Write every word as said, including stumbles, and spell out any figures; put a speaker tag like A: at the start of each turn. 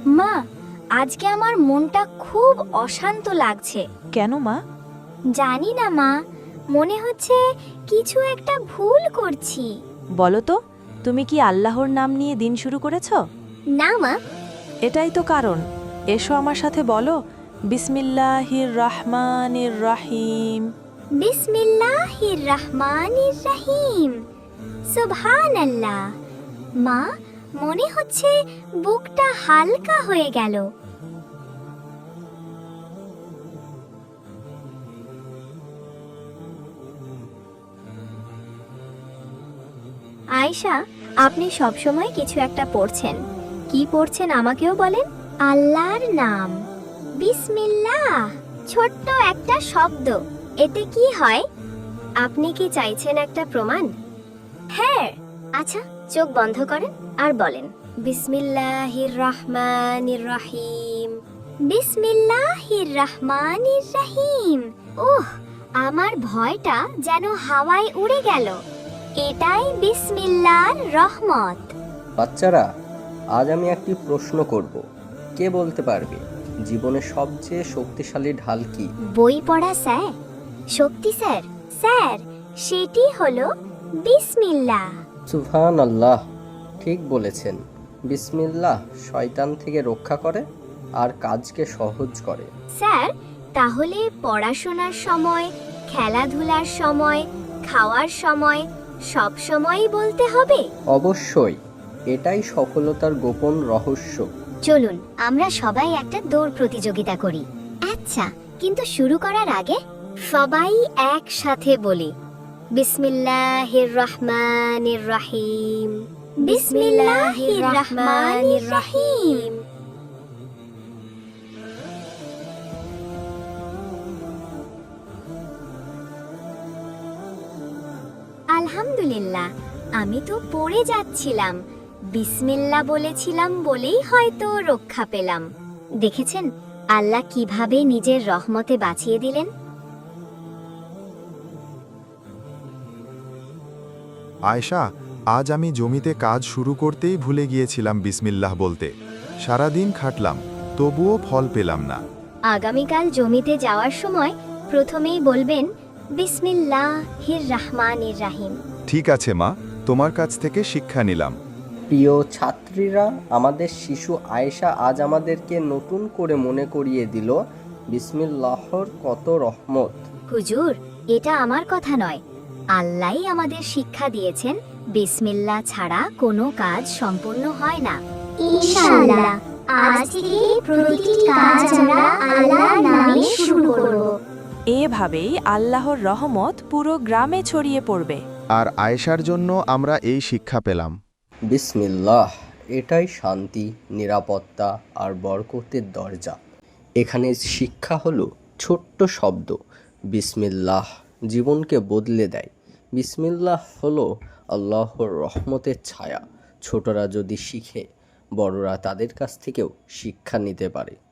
A: মা, আজকে আমার মনটা খুব অশান্ত লাগছে।
B: কেন মা?
A: জানি না মা, মনে হচ্ছে কিছু একটা ভুল করছি।
B: বলো তো, তুমি কি আল্লাহর নাম নিয়ে দিন শুরু করেছো?
A: না মা।
B: এটাই তো কারণ। এসো আমার সাথে বলো, বিসমিল্লাহির রহমানির রহিম।
A: বিসমিল্লাহির রহমানির রহিম। সুবহানাল্লাহ। মা, মনে হচ্ছে বুকটা হালকা হয়ে গেল। আয়েশা, আপনি সবসময় কিছু একটা পড়ছেন। কি পড়ছেন আমাকেও বলেন। আল্লাহর নাম, বিসমিল্লাহ। ছোট্ট একটা শব্দ, এতে কি হয়? আপনি কি চাইছেন একটা প্রমাণ? হ্যাঁ। আচ্ছা, চোখ বন্ধ করেন আর বলেন, বিসমিল্লাহির রহমানির রহিম। বিসমিল্লাহির রহমানির রহিম। ওহ, আমার ভয়টা যেন হাওয়ায় উড়ে গেল। এটাই বিসমিল্লাহর রহমত।
C: বাচ্চারা, আজ আমি একটি প্রশ্ন করব। কে বলতে পারবে জীবনের সবচেয়ে শক্তিশালী ঢাল কি?
A: বই পড়া স্যার। শক্তি স্যার? স্যার, সেটি হলো বিসমিল্লাহ।
C: সুবহানাল্লাহ, ঠিক বলেছেন। বিসমিল্লাহ শয়তান থেকে রক্ষা করে আর কাজকে সহজ করে।
A: স্যার, তাহলে পড়াশোনার সময়, খেলাধুলার সময়, খাওয়ার সময় সব সময়ই বলতে হবে?
C: অবশ্যই, এটাই সফলতার গোপন রহস্য।
A: চলুন আমরা সবাই একটা দৌড় প্রতিযোগিতা করি। আচ্ছা, কিন্তু শুরু করার আগে সবাই একসাথে বলি, বিসমিল্লাহির রহমানির রহিম। বিসমিল্লাহির রহমানির রহিম। আলহামদুলিল্লাহ, আমি তো পড়ে যাচ্ছিলাম। বিসমিল্লাহ বলেছিলাম বলেই হয়তো রক্ষা পেলাম। দেখেছেন আল্লাহ কিভাবে নিজের রহমতে বাঁচিয়ে দিলেন।
D: আয়েশা, আজ আমি জমিতে কাজ শুরু করতেই ভুলে গিয়েছিলাম বিসমিল্লাহ বলতে। সারাদিন খাটলাম, তবুও ফল পেলাম না।
A: আগামীকাল জমিতে যাওয়ার সময় প্রথমেই বলবেন, বিসমিল্লাহির রহমানির রহিম।
D: ঠিক আছে মা, তোমার কাছ থেকে শিক্ষা নিলাম।
C: প্রিয় ছাত্রীরা, আমাদের শিশু আয়েশা আজ আমাদেরকে নতুন করে মনে করিয়ে দিল বিসমিল্লাহর কত রহমত।
A: হুজুর, এটা আমার কথা নয়, আল্লাহই আমাদের শিক্ষা দিয়েছেন বিসমিল্লাহ ছাড়া কোনো কাজ সম্পূর্ণ হয় না। ইনশাআল্লাহ আজ থেকে প্রতিটি কাজ আমরা আল্লাহর নামে শুরু করব।
B: এভাবেই আল্লাহর রহমত পুরো গ্রামে ছড়িয়ে পড়বে।
D: আর আয়েশার জন্য আমরা এই শিক্ষা পেলাম।
C: বিসমিল্লাহ, এটাই শান্তি, নিরাপত্তা আর বরকতের দরজা। এখানে শিক্ষা হলো ছোট্ট শব্দ বিসমিল্লাহ জীবনকে বদলে দেয়। বিসমিল্লাহ হলো আল্লাহর রহমতের ছায়া। ছোটরা যদি শিখে, বড়রা তাদের কাছ থেকেও শিক্ষা নিতে পারে।